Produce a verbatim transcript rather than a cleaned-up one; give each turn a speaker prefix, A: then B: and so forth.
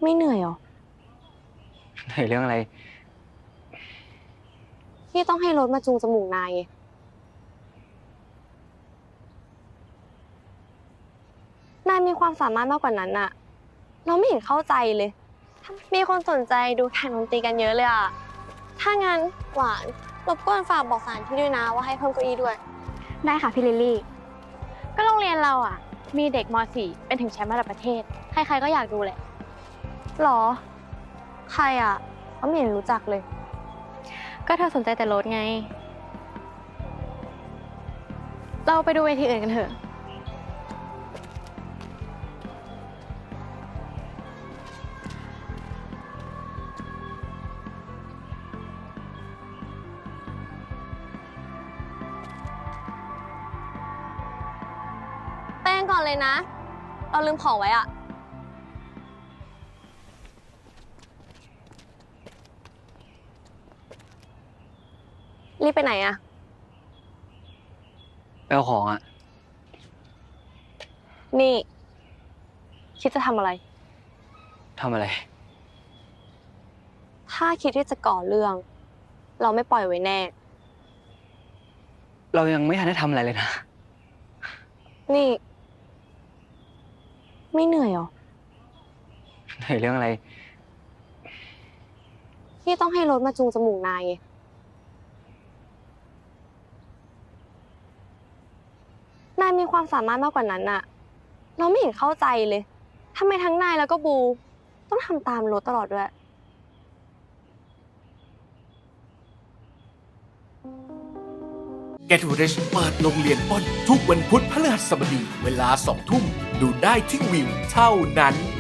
A: ไม่เหนื่อยหรอ
B: เหนื่อยเรื่องอะไร
A: ที่ต้องให้รถมาจูงจมูกนายไงนายมีความสามารถมากกว่านั้นอะเราไม่เห็นเข้าใจเลย มีคนสนใจดูแข่งดนตรีกันเยอะเลยอะถ้างั้นหวานรบกวนฝากบอกสถานที่ด้วยนะว่าให้เพิ่มเก้าอี้ด้วย
C: ได้ค่ะพี่ลิลลี่ก็โรงเรียนเราอ่ะมีเด็กม .สี่ เป็นถึงแชมป์ระดับประเทศใครๆก็อยากดูแหละ
A: หรอใครอะเขาไม่เห็นรู้จักเลย
C: ก็เธอสนใจแต่รถไงเราไปดูเวทีอื่นกันเถอะ
A: แป้งก่อนเลยนะ เราลืมของไว้อะรีบไปไหนอะ
B: ไปเอาของอะ
A: นี่ คิดจะทำอะไร
B: ทำอะไร
A: ถ้าคิดที่จะก่อเรื่อง เราไม่ปล่อยไว้แน่
B: เรายังไม่ทันได้ทำอะไรเลยนะ
A: นี่ ไม่เหนื่อยหรอ
B: เหนื่อยเรื่องอะไร
A: ที่ต้องให้รถมาจูงจมูกนายไงนายมีความสามารถมากกว่านั้นอะเราไม่เห็นเข้าใจเลยทำไมทั้งนายแล้วก็บู ต้องทำตามรถตลอดด้วย
D: Get Rich เปิดโรงเรียนอ้นทุกวันพุธพฤหัสบดีเวลาสองทุ่มดูได้ที่วิวเท่านั้น